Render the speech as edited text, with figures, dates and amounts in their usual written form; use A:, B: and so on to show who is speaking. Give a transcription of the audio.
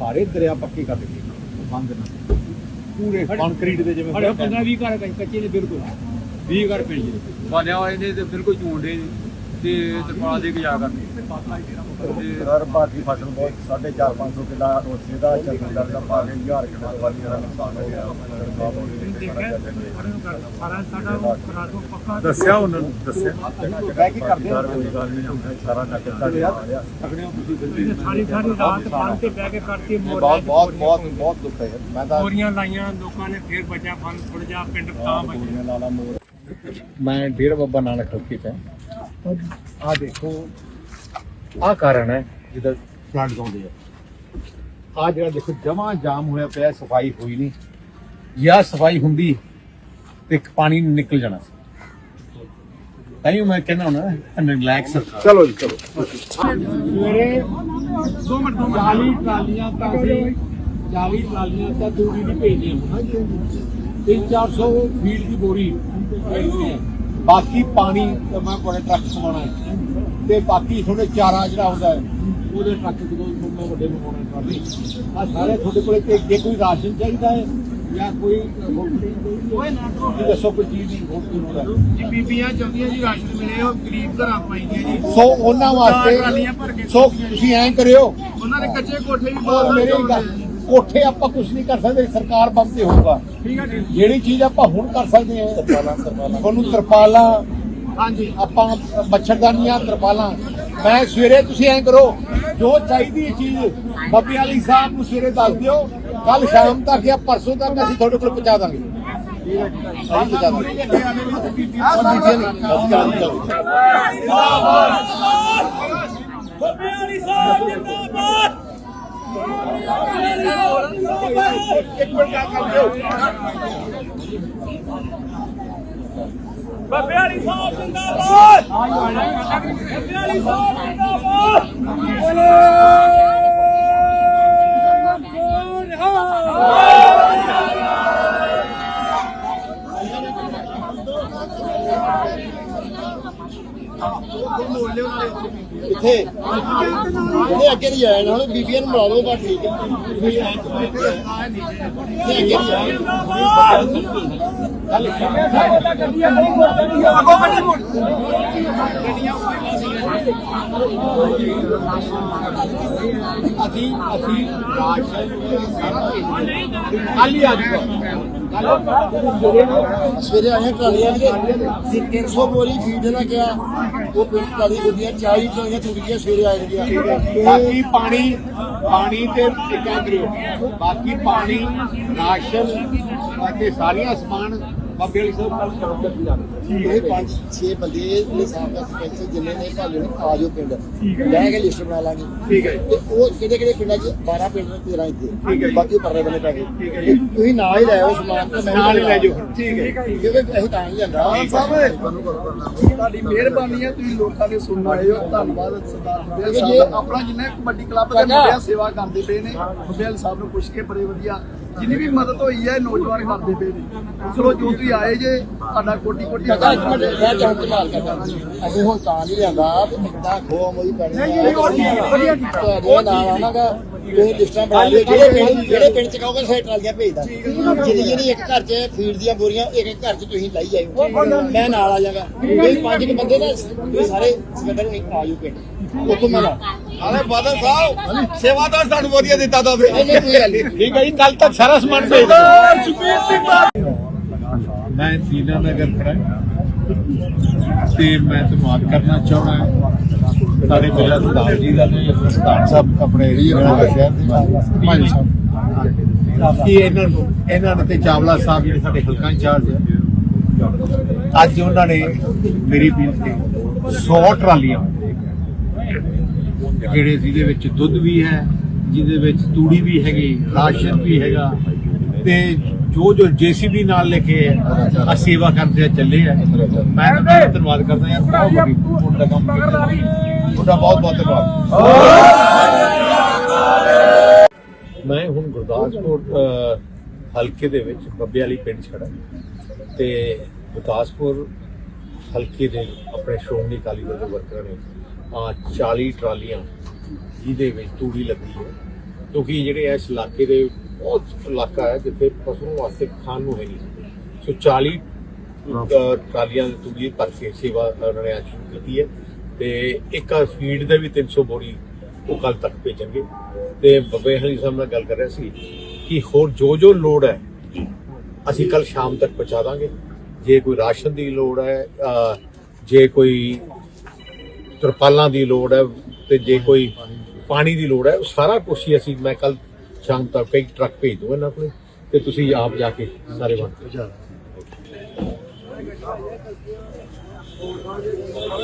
A: ਸਾਰੇ ਦਰਿਆ ਪੱਕੇ ਕਰ ਦਿੱਤੇ ਬੰਦ ਨਾਲ ਪੂਰੇ ਕੰਕਰੀਟ ਦੇ ਜਿਵੇਂ
B: 15-20 ਘਰ ਕੱਚੇ ਨੇ ਬਿਲਕੁਲ 20 ਘਰ ਪਿੰਡ ਦੇ ਬਣਿਆ ਹੋਏ ਨੇ ਤੇ ਬਿਲਕੁਲ ਝੂੰਡੇ ਤੇ ਤਰਪਾਲ ਦੇ ਕੇ ਜਾ ਕਰਦੇ
A: ਹਰ ਬਾਕੀ ਫਸਲ ਬਹੁਤ 450-500 ਕਿੱਲਾ ਰੋਸੇ ਦਾ ਚੱਲਦਾ ਦਾ ਪਾ ਕੇ 1000 ਕਿੱਲਾ ਵਾਲੀਆਂ ਦਾ ਨੁਕਸਾਨ ਹੋ ਗਿਆ ਦੱਸਿਆ ਉਹਨਾਂ ਨੂੰ ਦੱਸਿਆ ਬਹਿ ਕੇ ਕਰਦੇ ਸਾਰਾ ਨਗਰ
B: ਸਾਰੀ ਰਾਤ ਬੰਨ ਤੇ ਬਹਿ ਕੇ ਕਰਕੇ
A: ਬਹੁਤ ਦੁੱਖ ਹੈ ਮੈਂ ਤਾਂ
B: ਮੋਰੀਆਂ ਲਾਈਆਂ ਲੋਕਾਂ ਨੇ ਫੇਰ ਬਚਿਆ ਫਨ ਥੋੜ ਜਾ ਪਿੰਡ ਤਾਂ ਬਚਿਆ
A: ਲਾਲਾ ਮੋਰ ਮੈਂ ਡੇਰਾ ਬਾਬਾ ਨਾਨਕ ਚੌਕੀ ਤੇ ਆ ਦੇਖੋ ਆ ਕਾਰਨ ਹੈ ਜਿਹਦਾ ਫਲੱਡ ਆਉਂਦੇ ਆ ਜਿਹੜਾ ਦੇਖੋ ਜਮਾ ਜਾਮ ਹੋਇਆ ਪਿਆ ਸਫਾਈ ਹੋਈ ਨਹੀਂ ਜਾਂ ਸਫਾਈ ਹੁੰਦੀ ਤੇ ਪਾਣੀ ਨਿਕਲ ਜਾਣਾ ਸੀ ਤਾਂ ਮੈਂ ਕਹਿੰਦਾ ਹੁਣ ਰਿਲੈਕਸ ਚਲੋ ਜੀ ਚਲੋ ਸਵੇਰੇ 2 ਮਿੰਟ 40 ਟਰਾਲੀਆਂ ਤਾਂ ਦੂਰੀ ਦੀ ਭੇਜਦੀਆਂ 300-400 ਫੀਟ ਦੀ ਬੋਰੀ ਬਾਕੀ ਪਾਣੀ ਮੈਂ ਕੋਲੇ ਟਰੱਕ ਸਮਾਉਣਾ ਹੈ ਤੇ ਬਾਕੀ ਤੁਹਾਡੇ ਚਾਰਾ ਜਿਹੜਾ ਹੁੰਦਾ ਹੈ ਉਹਦੇ ਟਰੱਕ ਜਦੋਂ ਮੈਂ ਵੱਡੇ ਮੰਗਾਉਣਾ ਟਰਾਲੀ ਆ ਸਾਰੇ ਤੁਹਾਡੇ ਕੋਲੇ ਜੇ ਕੋਈ ਰਾਸ਼ਨ ਚਾਹੀਦਾ ਹੈ ਜਾਂ ਕੋਈ ਦੱਸੋ ਕੋਈ ਚੀਜ਼ ਦੀ ਹੋਰ
B: ਜੀ ਬੀਬੀਆਂ ਚਾਹੁੰਦੀਆਂ ਜੀ ਰਾਸ਼ਨ ਮਿਲੇ ਉਹ ਗਰੀਬ ਘਰਾਂ ਪਾਈਆਂ ਜੀ
A: ਸੋ ਉਹਨਾਂ ਵਾਸਤੇ ਸੋ ਤੁਸੀਂ ਐਂ ਕਰਿਓ
B: ਉਹਨਾਂ ਦੇ ਕੱਚੇ ਕੋਠੇ ਵੀ
A: ਬਹੁਤ ਮੇਰੇ ਕੋਠੇ ਆਪਾਂ ਕੁਝ ਨਹੀਂ ਕਰ ਸਕਦੇ ਸਰਕਾਰ ਬੰਦ ਤੇ ਹੋਊਗਾ
B: ਠੀਕ ਹੈ ਜੀ
A: ਜਿਹੜੀ ਚੀਜ਼ ਆਪਾਂ ਹੁਣ ਕਰ ਸਕਦੇ ਹਾਂ ਤੁਹਾਨੂੰ ਤਰਪਾਲਾਂ
B: ਹਾਂਜੀ
A: ਆਪਾਂ ਮੱਛਰਦਾਨੀਆਂ ਤਰਪਾਲਾਂ ਮੈਂ ਸਵੇਰੇ ਤੁਸੀਂ ਐਂ ਕਰੋ ਜੋ ਚਾਹੀਦੀ ਚੀਜ਼ ਬੱਬੇ ਵਾਲੀ ਸਾਹਿਬ ਨੂੰ ਸਵੇਰੇ ਦੱਸ ਦਿਓ ਕੱਲ ਸ਼ਾਮ ਤੱਕ ਜਾਂ ਪਰਸੋਂ ਤੱਕ ਅਸੀਂ ਤੁਹਾਡੇ ਕੋਲ ਪਹੁੰਚਾ ਦਾਂਗੇ
B: ਬੱਬੇ ਵਾਲੀ ਸਾਹਿਬ ਜਿੰਦਾਬਾਦ ਬੱਬੇ ਵਾਲੀ ਸਾਹਿਬ ਜਿੰਦਾਬਾਦ
A: ਕਿੱਥੇ ਇਹਦੇ ਅੱਗੇ ਨਹੀਂ ਜਾਣਾ ਹੁਣ ਬੀਬੀਆਂ ਨੂੰ ਮਿਲਾ ਲਓ ਬਸ ਠੀਕ ਅਸੀਂ ਖਾਲੀ ਆ ਸਵੇਰੇ ਆਏ ਟਰਾਲੀਆਂ ਦੇ 300 ਬੋਰੀ ਫੀਡ ਨਾ ਗਿਆ ਉਹ ਪਿੰਡ ਟਰਾਲੀ ਗੁੱਡੀਆਂ 40 ਟਰਾਲੀਆਂ ਟੁੱਟੀਆਂ ਸਵੇਰੇ ਆਏ ਗਿਆ ਬਾਕੀ ਪਾਣੀ ਤੇ ਟਿਕਿਆ ਕਰਿਓ ਬਾਕੀ ਪਾਣੀ ਰਾਸ਼ਨ ਅਤੇ ਸਾਰੀਆਂ ਸਮਾਨ ਬਾਬੇ ਵਾਲੀ ਸਾਹਿਬ ਕੱਲ ਕਰੋ ਇਹ 5-6 ਬੰਦੇ ਨੇ ਸਾਹਿਬ ਦਾ ਸਰਪੰਚ ਜਿੰਨੇ ਨੇ ਭਾਲੇ ਨੂੰ ਆ ਜਾਓ ਪਿੰਡ ਲੈ ਕੇ ਲਿਸਟ ਬਣਾ ਲਾਂਗੇ ਠੀਕ ਹੈ ਤੇ ਉਹ ਕਿਹੜੇ ਪਿੰਡਾਂ 'ਚ 12 ਪਿੰਡ ਨੇ 13 ਇੱਥੇ ਬਾਕੀ ਪਰਲੇ ਬੰਨੇ ਪੈ ਗਏ ਤੁਸੀਂ ਨਾਲ ਹੀ ਲੈ ਆਓ ਸਮਾਨ ਤੇ ਮੈਂ ਨਾਲ ਹੀ ਲੈ ਜਾਓ ਠੀਕ ਹੈ ਕਿਉਂਕਿ ਅਸੀਂ ਤਾਂ ਹੀ ਜਾਂਦਾ ਸਾਹਿਬ
C: ਤੁਹਾਡੀ ਮਿਹਰਬਾਨੀ ਹੈ ਤੁਸੀਂ ਲੋਕਾਂ ਦੇ ਸੁਣਨ ਆਏ ਹੋ ਧੰਨਵਾਦ ਸਰਦਾਰ ਬੱਬੇਲ ਸਾਹਿਬ ਆਪਣਾ ਜਿੰਨਾ ਕਬੱਡੀ ਕਲੱਬ ਦੇ ਮੁੰਡਿਆਂ ਸੇਵਾ ਕਰਦੇ ਪਏ ਨੇ ਬੱਬੇਲ ਸਾਹਿਬ ਨੂੰ ਪੁੱਛ ਕੇ ਬੜੇ ਵਧੀਆ ਜਿੰਨੀ ਵੀ ਮਦਦ ਹੋਈ ਹੈ ਨੌਜਵਾਨ ਕਰਦੇ ਪਏ ਨੇ ਚਲੋ ਜੋ ਤੁਸੀਂ ਆਏ ਜੇ ਤੁਹਾਡਾ ਕੋਟੀ
A: ਮੈਂ ਚਾਹੁੰਦਾ ਸੰਭਾਲ ਕਰਦਾ ਅਸੀਂ ਹੁਣ ਤਾਂ ਨਹੀਂ ਲਿਆਂਦਾ ਤੇ ਮਿੱਟਾ ਖੋਆ ਮੋਈ ਪੈਣੀ ਨਾਲ ਆਵਾਂਗਾ ਤੁਸੀਂ ਲਿਸਟਾਂ ਬਣਾ ਲਿਓ ਜਿਹੜੇ ਪਿੰਡ ਚ ਕਹੋਗੇ ਸੇ ਟਰਾਲੀਆਂ ਭੇਜਦਾ ਜਿਹੜੀ ਇੱਕ ਘਰ ਚ ਫੀਡ ਦੀਆਂ ਬੋਰੀਆਂ ਇੱਕ ਘਰ ਚ ਤੁਸੀਂ ਲਾਈ ਜਾਇਓ ਮੈਂ ਨਾਲ ਆ ਜਾਵਾਂਗਾ ਇਹ 5 ਬੰਦੇ ਨਾ ਤੁਸੀਂ ਸਾਰੇ ਸਿਕੰਦਰ ਨੂੰ ਆ ਜਾਓ ਪਿੰਡ ਉੱਥੋਂ ਮੈਂ ਲਾ
C: ਆਲੇ ਬਾਦਲ ਸਾਹਿਬ ਸੇਵਾਦਾਰ ਸਾਨੂੰ ਵਧੀਆ ਦਿੱਤਾ ਤਾਂ
A: ਨਹੀਂ ਕੋਈ ਗੱਲ ਨਹੀਂ ਠੀਕ ਹੈ ਜੀ ਕੱਲ ਤੱਕ ਸਾਰਾ ਸਮਾਨ ਭੇਜ
C: ਸੁਖਬੀਰ ਸਿੰਘ
A: ਮੈਂ ਦੀਨਾ ਨਗਰ ਖੜਾ ਤੇ ਮੈਂ ਤੁਹਾਨੂੰ ਕਰਨਾ ਚਾਹੁੰਦਾ ਸਾਡੇ ਮੇਰਾ ਸਰਦਾਰ ਜੀ ਦਾ ਤੇ ਸਰਦਾਰ ਸਾਹਿਬ ਆਪਣੇ ਸ਼ਹਿਰ ਦੇ ਭਾਈ ਸਾਹਿਬ ਕੀ ਇਹਨਾਂ ਨੇ ਤੇ ਚਾਵਲਾ ਸਾਹਿਬ ਜਿਹੜੇ ਸਾਡੇ ਹਲਕਾ ਇੰਚਾਰਜ ਅੱਜ ਉਹਨਾਂ ਨੇ ਮੇਰੀ ਬੇਨਤੀ 100 ਟਰਾਲੀਆਂ ਜਿਹੜੇ ਜਿਹਦੇ ਵਿੱਚ ਦੁੱਧ ਵੀ ਹੈ ਜਿਹਦੇ ਵਿੱਚ ਤੂੜੀ ਵੀ ਹੈਗੀ ਰਾਸ਼ਨ ਵੀ ਹੈਗਾ ਤੇ ਜੋ ਜੇਸੀਬੀ ਨਾਲ ਲੈ ਕੇ ਆ ਸੇਵਾ ਕਰਦੇ ਚੱਲੇ ਆ ਮੈਂ ਧੰਨਵਾਦ ਕਰਦਾ ਯਾਰ ਬਹੁਤ ਵੱਡੀ ਤੁਹਾਡਾ ਕੰਮ ਕੀਤਾ ਤੁਹਾਡਾ ਬਹੁਤ ਧੰਨਵਾਦ ਮੈਂ ਹੁਣ ਗੁਰਦਾਸਪੁਰ ਹਲਕੇ ਦੇ ਵਿੱਚ ਬੱਬੇ ਵਾਲੀ ਪਿੰਡ ਛੜਾ ਤੇ ਗੁਰਦਾਸਪੁਰ ਹਲਕੇ ਦੇ ਆਪਣੇ ਸ਼੍ਰੋਮਣੀ ਅਕਾਲੀ ਦਲ ਦੇ ਵਰਕਰਾਂ ਨੇ 40 ਟਰਾਲੀਆਂ ਜਿਹਦੇ ਵਿੱਚ ਤੂੜੀ ਲੱਗੀ ਹੈ
D: ਕਿਉਂਕਿ ਜਿਹੜੇ ਇਸ ਇਲਾਕੇ ਦੇ ਬਹੁਤ ਇਲਾਕਾ ਹੈ ਜਿੱਥੇ ਪਸ਼ੂਆਂ ਵਾਸਤੇ ਖਾਣ ਨੂੰ ਹੈ ਨਹੀਂ। ਸੋ 40 ਟਰਾਲੀਆਂ ਤੂੜੀ ਭਰ ਕੇ ਸੇਵਾ ਉਹਨਾਂ ਨੇ ਅੱਜ ਸ਼ੁਰੂ ਕੀਤੀ ਹੈ ਤੇ ਇੱਕ ਫੀਡ ਦਾ ਵੀ 300 ਬੋਰੀ ਉਹ ਕੱਲ ਤੱਕ ਭੇਜਣਗੇ। ਤੇ ਬੱਬੇ ਹਲੀ ਸਾਹਿਬ ਨਾਲ ਗੱਲ ਕਰ ਰਿਹਾ ਸੀ ਕਿ ਹੋਰ ਜੋ ਲੋੜ ਹੈ ਅਸੀਂ ਕੱਲ ਸ਼ਾਮ ਤੱਕ ਪਹੁੰਚਾ ਦਾਂਗੇ। ਜੇ ਕੋਈ ਰਾਸ਼ਨ ਦੀ ਲੋੜ ਹੈ, ਜੇ ਕੋਈ ਤਰਪਾਲਾਂ ਦੀ ਲੋੜ ਹੈ ਤੇ ਜੇ ਕੋਈ ਪਾਣੀ ਦੀ ਲੋੜ ਹੈ, ਉਹ ਸਾਰਾ ਕੁਛ ਹੀ ਅਸੀਂ ਮੈਂ ਕੱਲ ਸ਼ਾਮ ਤੱਕ ਕਈ ਟਰੱਕ ਭੇਜ ਦੂੰਗਾ ਇਹਨਾਂ ਕੋਲ ਤੇ ਤੁਸੀਂ ਆਪ ਜਾ ਕੇ ਸਾਰੇ ਵੰਡ